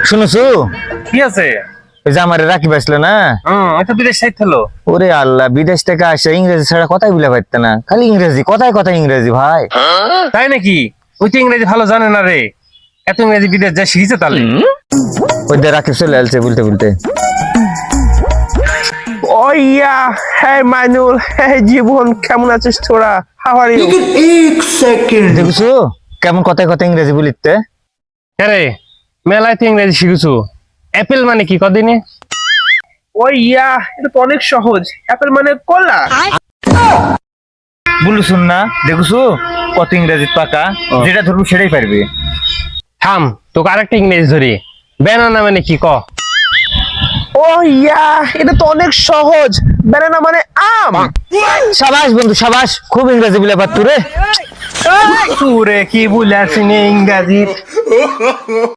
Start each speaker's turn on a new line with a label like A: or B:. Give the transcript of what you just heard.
A: শুনছো
B: কি আছে?
A: ওই যে আমার রাকিব আসলো না,
B: এটা বিদেশ সাইড হলো।
A: ওরে আল্লাহ, বিদেশ থেকে আসে ইংরেজি ছাড়া কথাই বলে পারতে না, খালি ইংরেজি, কথায় কথায় ইংরেজি ভাই।
B: তাই নাকি? ওই তো ইংরেজি ভালো জানে না রে, এত ইংরেজি বিদেশ যা শিখেছে তাহলে।
A: ওই যে রাকিব চলে আসছে বলতে বলতে।
C: Oh yeah, hey Mainul, hey জীবন, কেমন আছিস তোরা? How are you?
A: দেখছো কেমন কথায় কথায় ইংরেজি বলিতে।
B: হ্যাঁ রে, মেলায় তো ইংরেজি শিখেছো। অ্যাপেল মানে কি কদিনে?
C: Oh yeah, এটা তো অনেক সহজ। অ্যাপেল মানে কলা।
A: বলুন না, দেখছো কত ইংরেজি পাকা, যেটা ধরবো সেটাই পারবে।
B: থাম, তোকে আরেকটা ইংরেজি ধরি। ব্যানানা মানে কি ক?
C: Oh yeah, এটা তো অনেক সহজ। ব্যানানা মানে আম।
A: সাবাস বন্ধু সাবাস, খুব ইংরেজি বলে পারতো রে।
B: তুরে কি বলে আসিনি ইংরাজি?